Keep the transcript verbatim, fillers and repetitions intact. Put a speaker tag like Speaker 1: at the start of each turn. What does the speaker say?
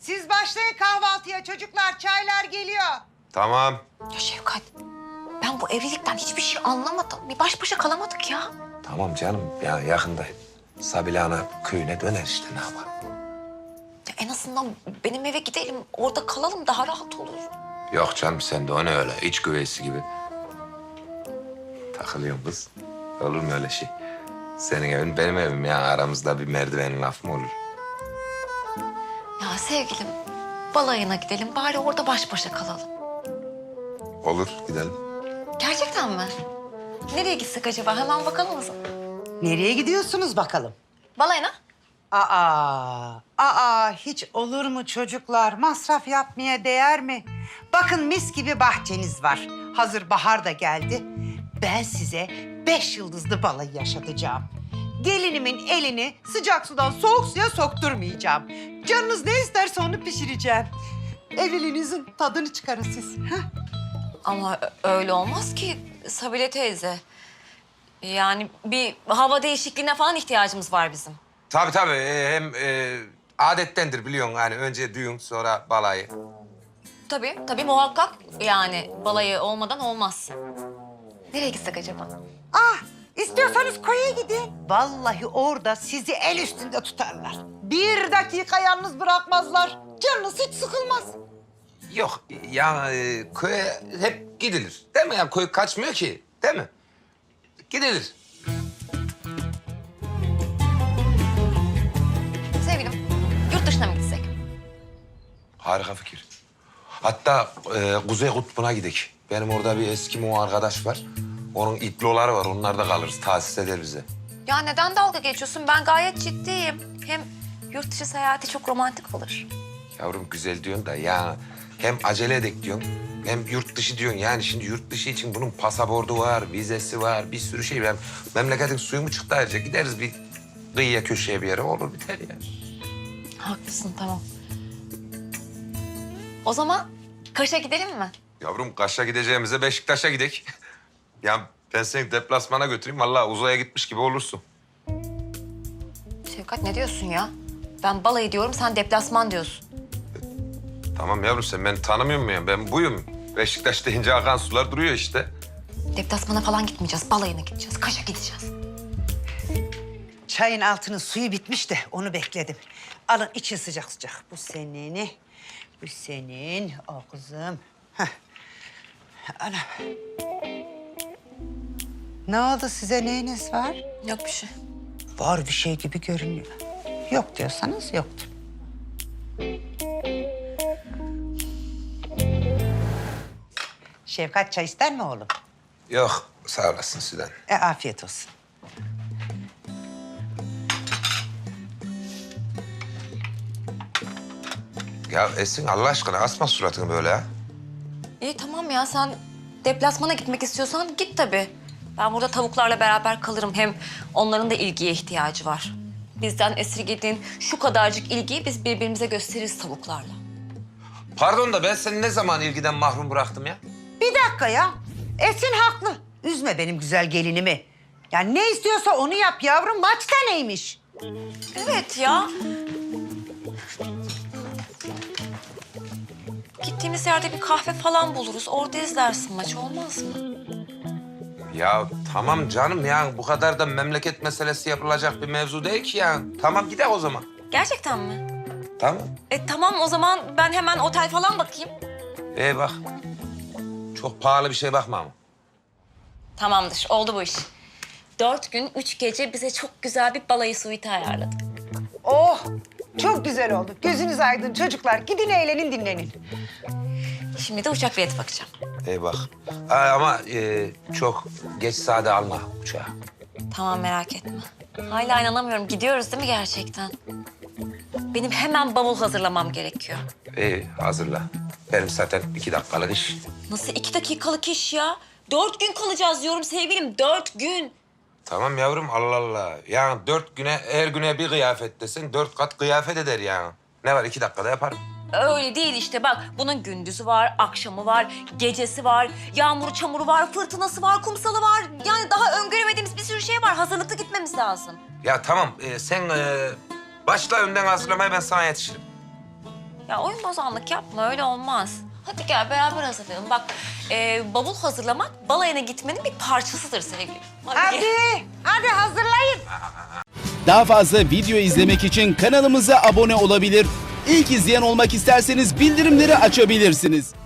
Speaker 1: Siz başlayın kahvaltıya çocuklar. Çaylar geliyor.
Speaker 2: Tamam.
Speaker 3: Ya Şevkat, ben bu evlilikten hiçbir şey anlamadım. Bir baş başa kalamadık ya.
Speaker 2: Tamam canım. Ya yakında Sabile Ana köyüne döner işte ne yapalım.
Speaker 3: Ya en azından benim eve gidelim, orada kalalım daha rahat olur.
Speaker 2: Yok canım sen de o ne öyle iç güveysi gibi. Takılıyorsun kız. Olur mu öyle şey? Senin evin benim evim ya. Aramızda bir merdivenin lafı mı olur?
Speaker 3: Ya sevgilim, balayına gidelim bari orada baş başa kalalım.
Speaker 2: Olur gidelim.
Speaker 3: Gerçekten mi? Nereye gitsek acaba? Hemen bakalım mısın?
Speaker 1: Nereye gidiyorsunuz bakalım?
Speaker 3: Balayına.
Speaker 1: Aa, aa hiç olur mu çocuklar? Masraf yapmaya değer mi? Bakın mis gibi bahçeniz var. Hazır bahar da geldi. Ben size beş yıldızlı balayı yaşatacağım. Gelinimin elini sıcak sudan soğuk suya sokturmayacağım. Canınız ne isterse onu pişireceğim. Evliliğinizin tadını çıkarın siz. Hah?
Speaker 3: Ama ö- öyle olmaz ki Sabile teyze. Yani bir hava değişikliğine falan ihtiyacımız var bizim.
Speaker 2: Tabii tabii. Ee, hem e, adettendir biliyorsun. Yani önce düğün sonra balayı.
Speaker 3: Tabii, tabii muhakkak yani balayı olmadan olmaz. Nereye gitsek acaba?
Speaker 1: Ah, istiyorsanız koya gidin. Vallahi orada sizi el üstünde tutarlar. Bir dakika yalnız bırakmazlar. Canınız hiç sıkılmaz.
Speaker 2: Yok ya e, köye hep gidilir. Değil mi? Ya köy kaçmıyor ki. Değil mi? Gidilir.
Speaker 3: Sevgilim, yurt dışına mı gitsek?
Speaker 2: Harika fikir. Hatta e, Kuzey Kutbu'na gidelim. Benim orada bir Eskimo arkadaş var. Onun iploları var. Onlarda kalırız. Tahsis eder bize.
Speaker 3: Ya neden dalga geçiyorsun? Ben gayet ciddiyim. Hem yurt dışı seyahati çok romantik olur.
Speaker 2: Yavrum güzel diyorsun da ya hem acele edek diyorsun hem yurt dışı diyorsun. Yani şimdi yurt dışı için bunun pasaportu var, vizesi var, bir sürü şey. Ben memleketin suyu mu çıktı ayrıca gideriz bir kıyıya köşeye bir yere olur biter ya.
Speaker 3: Haklısın, tamam. O zaman Kaş'a gidelim mi?
Speaker 2: Yavrum Kaş'a gideceğimize Beşiktaş'a gidek. Ya ben seni deplasmana götüreyim. Vallahi uzaya gitmiş gibi olursun.
Speaker 3: Şevkat ne diyorsun ya? Ben balayı diyorum, sen deplasman diyorsun.
Speaker 2: Tamam yavrum sen beni tanımıyor musun ya? Ben buyum. Beşiktaş deyince akan sular duruyor işte.
Speaker 3: Deplasmana falan gitmeyeceğiz, balayına gideceğiz. Kaş'a gideceğiz.
Speaker 1: Çayın altının suyu bitmiş de onu bekledim. Alın için sıcak sıcak. Bu senin, bu senin. O kızım. Heh. Ana. Ne oldu size neyiniz var?
Speaker 3: Yok bir şey.
Speaker 1: Var bir şey gibi görünüyor. Yok diyorsanız yoktur. Şefkat çay ister mi oğlum?
Speaker 2: Yok sağ olasın Süden.
Speaker 1: E afiyet olsun.
Speaker 2: Ya Esin Allah aşkına asma suratını böyle ha.
Speaker 3: İyi tamam ya, sen deplasmana gitmek istiyorsan git tabii. Ben burada tavuklarla beraber kalırım. Hem onların da ilgiye ihtiyacı var. Bizden esirgediğin şu kadarcık ilgiyi biz birbirimize gösteririz tavuklarla.
Speaker 2: Pardon da ben seni ne zaman ilgiden mahrum bıraktım ya?
Speaker 1: Bir dakika ya. Esin haklı. Üzme benim güzel gelinimi. Ya ne istiyorsa onu yap yavrum. Maçta neymiş?
Speaker 3: Evet ya. Gittiğimiz yerde bir kahve falan buluruz. Orada izlersin maç, olmaz mı?
Speaker 2: Ya tamam canım ya bu kadar da memleket meselesi yapılacak bir mevzu değil ki ya. Tamam gidelim o zaman.
Speaker 3: Gerçekten mi?
Speaker 2: Tamam.
Speaker 3: E tamam, o zaman ben hemen otel falan bakayım.
Speaker 2: Ee bak. Çok pahalı bir şey bakma ama.
Speaker 3: Tamamdır, oldu bu iş. Dört gün, üç gece bize çok güzel bir balayı suite ayarladım.
Speaker 1: Oh çok güzel oldu. Gözünüz aydın çocuklar. Gidin eğlenin dinlenin.
Speaker 3: Şimdi de uçak bileti bakacağım.
Speaker 2: Ee bak. Aa, ama e, çok geç saate alma uçağı.
Speaker 3: Tamam, merak etme. Hala inanamıyorum. Gidiyoruz değil mi gerçekten? Benim hemen bavul hazırlamam gerekiyor.
Speaker 2: İyi hazırla. Benim zaten iki dakikalık iş.
Speaker 3: Nasıl iki dakikalık iş ya? Dört gün kalacağız diyorum sevgilim. Dört gün.
Speaker 2: Tamam yavrum Allah Allah. Yani dört güne her güne bir kıyafet desen dört kat kıyafet eder yani. Ne var iki dakikada yaparım.
Speaker 3: Öyle değil işte bak. Bunun gündüzü var, akşamı var, gecesi var, yağmuru, çamuru var, fırtınası var, kumsalı var. Yani daha öngöremediğimiz bir sürü şey var. Hazırlıklı gitmemiz lazım.
Speaker 2: Ya tamam e, sen e, başla önden hazırlamaya ben sana yetişirim.
Speaker 3: Ya oyun bozanlık yapma, öyle olmaz. Hadi gel beraber hazırlayalım. Bak e, bavul hazırlamak balayına gitmenin bir parçasıdır sevgilim. Hadi. gel.
Speaker 1: Hadi, hadi hazırlayın.
Speaker 4: Daha fazla video izlemek için kanalımıza abone olabilir. İlk izleyen olmak isterseniz bildirimleri açabilirsiniz.